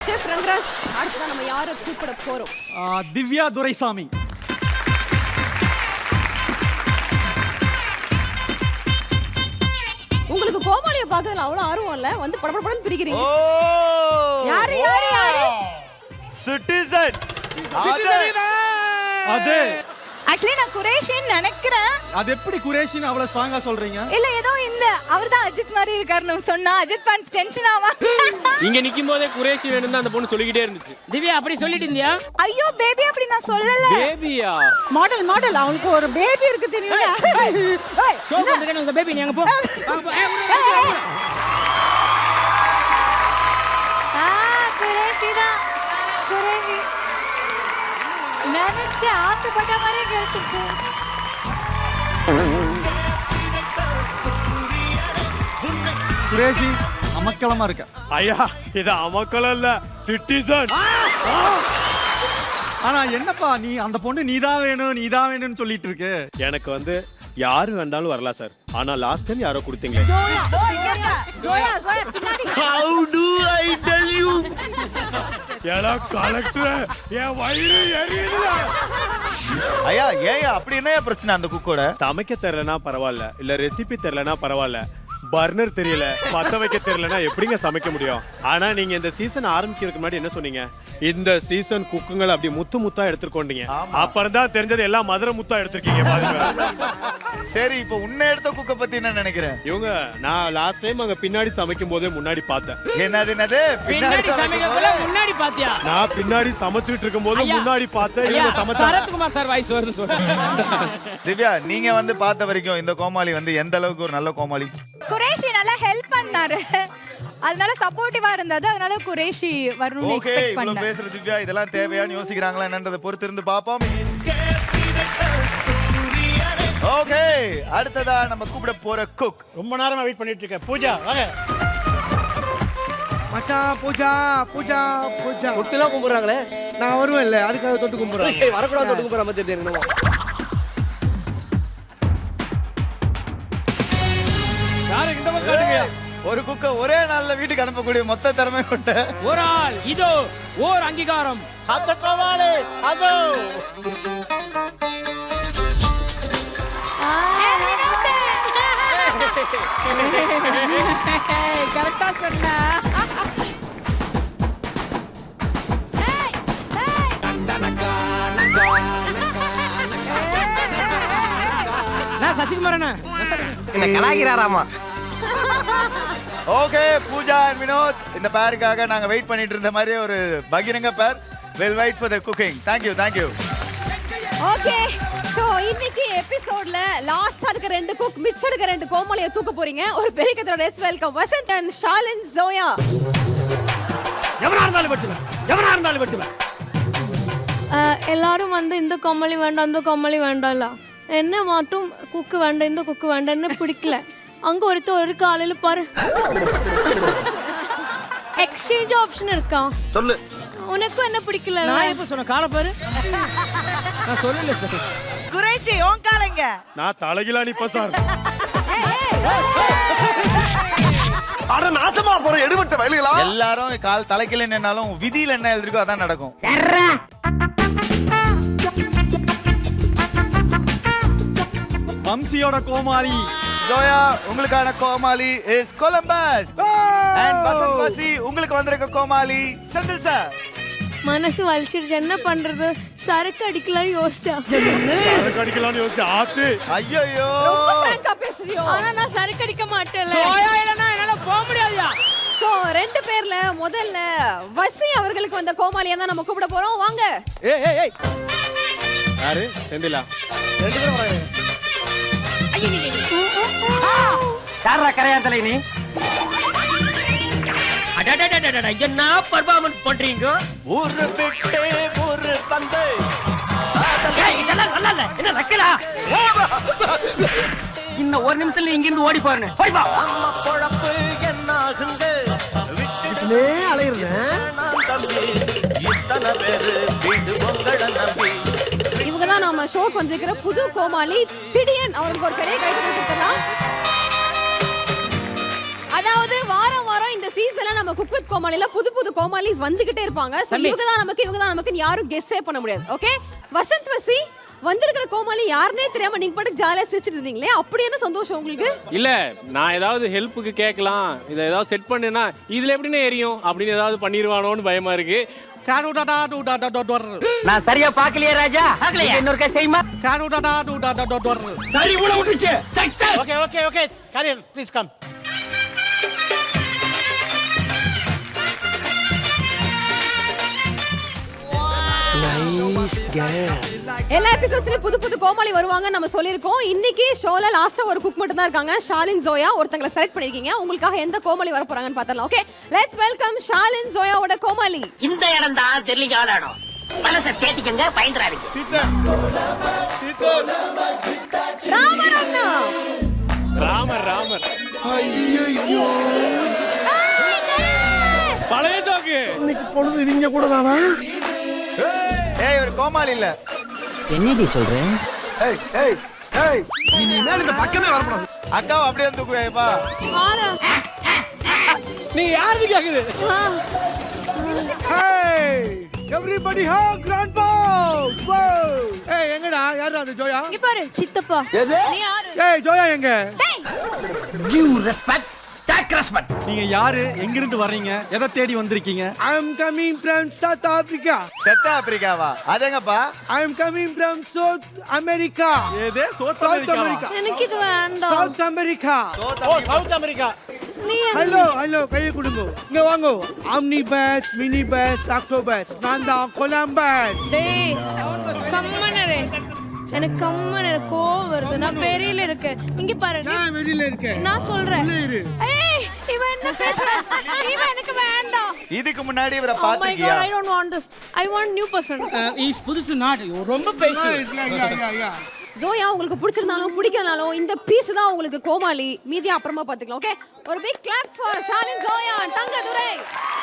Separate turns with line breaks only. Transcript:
Chef Rangaraj, அடுத்ததான் நம்ம யாரை கூப்பிட போறோம்?
திவ்யா துரைசாமி.
உங்களுக்கு கோமாளியை பார்க்கறதுல அவ்வளவு ஆர்வம் இல்ல, வந்து படபடன்னு பிரிக்கிறீங்க.
யாரு யாரு யாரு?
சிட்டிசன்.
அதே.
ஆக்சுவலி நான் குரேஷின்னு நினைக்கிறேன்.
அது எப்படி குரேஷின்னு அவ்வளவு ஸ்ட்ராங்கா சொல்றீங்க?
இல்ல ஏதோ இந்த அவர்தான் அஜித் மாதிரி இருக்காருன்னு சொன்னா அஜித் ஃபேன்ஸ் டென்ஷன் ஆவா.
இங்க நிக்கும் போதே குரேஷி வேணும் தான் அந்த பொண்ணு சொல்லிக்கிட்டே இருந்துச்சு. திவ்யா அப்படி சொல்லிட்டு இருந்தியா?
ஐயோ பேபி அப்படி நான் சொல்லல.
பேபியா?
மாடல் மாடல் அவங்களுக்கு ஒரு பேபி இருக்கு தெரியுமா?
ஷோ வந்துட்டேன் உங்க பேபி, நீ அங்க போ.
குரேஷி தான் குரேஷி. நினைச்சு ஆசைப்பட்ட மாதிரியே கிடைச்சிருக்கு.
குரேஷி அமக்கலமா இருக்க.
ஐயா இது அமக்கலம் இல்ல, சிட்டிசன்.
ஆனா என்னப்பா நீ அந்த பொண்ணு நீதான் வேணும்னு சொல்லிட்டு இருக்கு.
எனக்கு வந்து யாரு வந்தாலும் வரலாம் சார். ஆனா லாஸ்ட் டைம் யாரோ கொடுத்தீங்க. How do I tell you? ஏடா கலெக்டர், என் வயிறு எரியுது.
ஐயா ஏயா அப்படி என்ன பிரச்சனை அந்த குக்கோட?
சமைக்க தெரியலனா பரவாயில்ல, இல்ல ரெசிபி தெரியலனா பரவாயில்ல, பர்னர் தெரியல, பத்த வைக்க தெரியலனா எப்படிங்க சமைக்க முடியும்? ஆனா நீங்க இந்த சீசன் ஆரம்பிக்கிறதுக்கு முன்னாடி என்ன சொன்னீங்க? இந்த சீசன் குக்குங்களை அப்படி முத்து முத்தா எடுத்துக்கொண்டீங்க. அப்புறம் தான் தெரிஞ்சது எல்லாம் மதுரை முத்தா எடுத்திருக்கீங்க பாருங்க.
சரி இப்போ உன்னை எடுத்த குக்க பத்தி என்ன நினைக்கிறேன்?
இவங்க நான் லாஸ்ட் டைம் அங்க பின்னாடி சமைக்கும் போதே முன்னாடி பார்த்தேன்.
என்னது
பின்னாடி சமைக்கல முன்னாடி பாத்தியா?
நான் பின்னாடி சமைச்சிட்டு இருக்கும்போது முன்னாடி பார்த்தேன். இவங்க சமைச்சாங்க.
சரத்குமார் சார் வாய்ஸ் வருது சொல்றேன்.
திவ்யா நீங்க வந்து பார்த்த வரைக்கும் இந்த கோமாளி வந்து எந்த அளவுக்கு ஒரு நல்ல கோமாளி?
குரேஷி நல்லா ஹெல்ப் பண்ணாரு, அதனால சப்போர்ட்டிவா இருந்தது, அதனால குரேஷி வரணும்னு எக்ஸ்பெக்ட் பண்ணேன்.
இவ்வளவு பேசுற திவ்யா இதெல்லாம் தேவையான்னு யோசிக்கிறாங்களா என்னன்றதை பொறுத்து இருந்து பாப்போம். ஓகே அடுத்ததா நம்ம கூப்பிட போற குக்.
ரொம்ப நேரமா வெயிட் பண்ணிட்டு இருக்கேன். பூஜா வாங்க.
மச்சான் பூஜா பூஜா பூஜா
குத்துலாம் கும்பிடுறாங்களே,
நான் வருவேன் இல்ல அதுக்காக தொட்டு கும்பிடுறேன்.
வரக்கூடாது தொட்டு கும்பிடுற மாதிரி தெரியுமா? யாரு இந்த பக்கம் காட்டுங்க.
ஒரு குக்க ஒரே நாள்ல வீட்டுக்கு அனுப்பக்கூடிய மொத்த திறமை கொண்ட
ஒரு ஆள் இதோ ஓர் அங்கீகாரம்.
அந்த கோமாளி அதோ.
கரெக்டா சொன்னா.
சசிகுமார் என்ன
கலாய்கிறாராமா?
ஓகே பூஜா அண்ட் வினோத் இந்த பேருக்காக நாங்க வெயிட் பண்ணிட்டு இருந்த மாதிரி ஒரு பகிரங்க பேர். We'll wait for the cooking. Thank you.
Okay so இன்னைக்கு எபிசோட்ல லாஸ்ட் அதுக்கு ரெண்டு குக் மிச்சம் இருக்க ரெண்டு கோமாளியை தூக்க போறீங்க. ஒரு பெரிய கத்தரோட வெல்கம் வசந்த் அண்ட் ஷாலின் ஜோயா.
எவனா இருந்தாலும் வெட்டுவேன்.
எல்லாரும் வந்து இந்த கோமாளி வேண்டாம் அந்த கோமாளி வேண்டாம்ல, என்ன மட்டும் குக்கு வேண்டாம் இந்த குக்கு வேண்டாம்னு பிடிக்கல. அங்க ஒரு காலையில பாரு எக்ஸ்சேஞ்ச் ஆப்ஷன் இருக்கா?
சொல்லு.
உனக்கும் என்ன பிடிக்கல?
நான் எப்ப சொன்ன கால பாரு. நான் சொல்லல சார்.
குரேஷி ஓன் காலங்க.
நான் தலைகிலா நிப்ப சார். அட நாசமா போற எடுபட்ட வயலுகளா.
எல்லாரும் கால் தலைக்கில நின்னாலும் விதியில என்ன எழுதிருக்கோ அதான் நடக்கும்.
வம்சியோட கோமாளி
ஜோயா உங்களுக்கான கோமாளி is Columbus. And Vasanth Vasi உங்களுக்கு வந்திருக்க கோமாளி செந்தில் சார்.
மனசு வலிச்சிருச்சு, என்ன பண்றது? சரக்கு அடிக்கலாம்னு யோசிச்சேன்.
ஆத்து.
ஐயோ
ரொம்ப ஃப்ராங்கா பேசுவியோ?
ஆனா நான் சரக்கு அடிக்க மாட்டேன்ல.
சோயா இல்லனா என்னால போக முடியாதுயா.
சோ ரெண்டு பேர்ல முதல்ல வசி அவர்களுக்கு வந்த கோமாளியை தான் நம்ம கூப்பிட போறோம். வாங்க.
ஏய்
யாரு? செந்திலா.
ரெண்டு பேரும் வராங்க. யாரா கரையாந்தலை நீ? அடடடடடட என்ன பெர்ஃபார்மன்ஸ் பண்றீங்க?
ஒரு பிட்டே ஒரு பந்து.
இதெல்லாம் நல்லா இல்ல. என்ன ரக்கலா? இன்னும் ஒரு நிமிஷத்துல இங்க இருந்து ஓடி போறேன். போய் வா.
நம்ம பொழப்பு என்ன ஆகுங்க?
விட்டுனே அலையறேன்.
இத்தனை பேரு வீடு உங்கள நம்பி.
இவங்க தான் நம்ம ஷோக்கு வந்திருக்கிற புது கோமாளி திடியன். அவருக்கு ஒரு பெரிய கைத்தட்டல் கொடுக்கலாம். அதாவது வாரம் இந்த சீசன்ல நம்ம குக் வித் கோமாளில புது புது கோமாளிஸ் வந்துகிட்டே இருப்பாங்க. சோ இவங்க தான் நமக்கு யாரும் கெஸ்ஸே பண்ண முடியாது. ஓகே வசந்த் வசி வந்திருக்கிற கோமாளி யாருனே தெரியாம நீங்க பாட்டுக்கு ஜாலியா சிரிச்சிட்டு இருந்தீங்களே, அப்படி என்ன சந்தோஷம் உங்களுக்கு?
இல்ல நான் ஏதாவது ஹெல்ப்புக்கு கேட்கலாம், இதை ஏதாவது செட் பண்ணுனா இதுல எப்படின்னு எரியும் அப்படின்னு ஏதாவது பண்ணிடுவானோன்னு பயமா இருக்கு.
நான் சரியா பாக்கலையே ராஜா. இன்னொரு கை செய்யுமா?
Okay okay okay career please come.
எல்லா எபிசோட்ஸ்லயும் புது புது கோமாளி வருவாங்க நம்ம சொல்லிருக்கோம். இன்னைக்கு ஷோல லாஸ்டா ஒரு குக் மட்டும் தான் இருக்காங்க, ஷாலின் ஜோயா. ஒருத்தங்களை செலக்ட் பண்ணிருக்கீங்க. உங்களுக்காக எந்த கோமாளி வர போறாங்கன்னு பார்த்தலாம். ஓகே லெட்ஸ் வெல்கம் ஷாலின் ஜோயாவோட கோமாளி.
இந்த இடம் தான் தெரியல இடம். மனசை தேடிக்கங்க, பயந்துறாதீங்க.
ராமர் அண்ணா.
ராமர் பழைய தோக்கு.
இன்னைக்கு பொழுது நீங்க கூட தானா?
ஏய் இவர் கோமாளி இல்ல.
என்னடி சொல்றேன்?
ஏய் ஏய் ஏய்
இனிமேல் இந்த பக்கமே வரக்கூடாது.
அக்காவை அப்படியே தூக்குவேப்பா.
ஆரா
நீ யாருக்கு கேக்குது?
Hey, everybody hug grandpa. Whoa. Hey, எங்கடா? யாரா அந்த ஜோயா?
இங்க பாரு சித்தப்பா. நீ யாரு?
ஏய் ஜோயா எங்க?
Give respect, take respect.
நீங்க யாரு, எங்க இருந்து வர்றீங்க, எதை தேடி வந்திருக்கீங்க?
I am coming from South Africa.
செத்த ஆப்பிரிக்காவா? அதேங்கப்பா.
I am coming from South America.
ஏதே சவுத்
South
அமெரிக்கா.
America.
எனக்கு இது வேண்டாம்.
South America.
ஓ சவுத் அமெரிக்கா.
நீ
ஹலோ கையை கொடுங்க. இங்க வாங்க. Omni bus, mini bus, octopus. நான் தான் கொலம்பஸ்.
டேய் கம்மனரே. எனக்கு கம்மனர கோவம் வருது. நான் பெரியல இருக்கேன். இங்க பாரு.
நான் வெளியில இருக்கேன்.
நான் சொல்றேன்.
உள்ள இரு.
ஏய் இவன் என்ன பேசுறான்? இவன் எனக்கு வேண்டாம்.
இதுக்கு முன்னாடி இவரை
Oh my
பாத்துக்கியா?
god, I don't want this. I want new person.
Is புதுசு நாட் ரொம்ப பேசு.
Yeah.
ஜோயா உங்களுக்கு பிடிச்சிருந்தாலும் பிடிக்கலனாலும் இந்த பீஸ் தான் உங்களுக்கு கோமாளி. மீதி அப்புறமா பாத்துக்கலாம். ஓகே ஒரு big claps for Shalin Zoya Thangadurai.